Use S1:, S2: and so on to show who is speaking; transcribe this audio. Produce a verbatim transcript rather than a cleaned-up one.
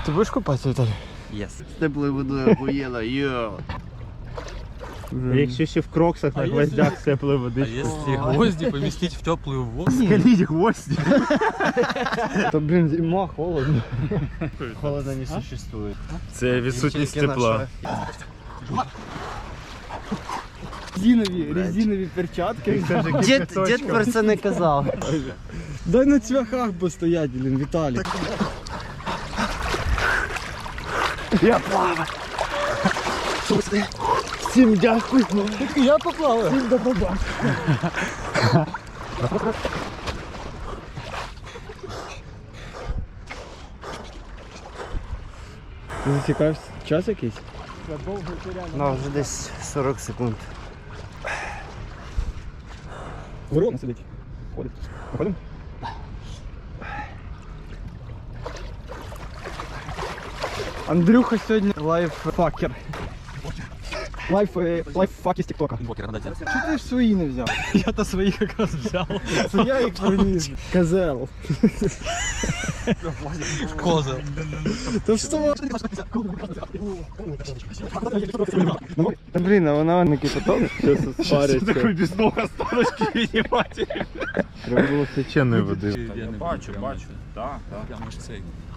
S1: Ти будеш купатися, Віталій?
S2: Єс. З теплою водою охуєнно, йо.
S1: Якщо ще в кроксах на гвоздях з теплої води.
S3: А если гвозди поместить в теплую воду?
S1: Скаліть гвозді. То, блін, зима, холодно.
S2: Холода не существует.
S1: Це відсутність тепла.
S4: Резинові, резинові перчатки.
S2: Дід, дід про це не казав.
S4: Дай на цвяхах постоять, блін, Віталій.
S1: Я плаваю. Всім дякую.
S4: Я поплаваю.
S1: Всім до побачення.
S4: Ти зацікавився час якийсь?
S2: Ну, вже десь сорок секунд.
S4: Ворона сидить. Ходить. Виходимо? Андрюха сьогодні лайффакер. Лайф, е, лайффак із тіктока. Чого ти ж свої не взяв?
S3: Я-то своих как раз взял.
S4: Це я їх приніс. Козел.
S3: Коза.
S4: Та що? Та блін, а вона не кипяток? Зараз спариться.
S1: Такий без ног останочки віднімати.
S4: Треба було
S1: Свяченої води.
S3: Я бачу, бачу. Так, так. Прямо ж цей.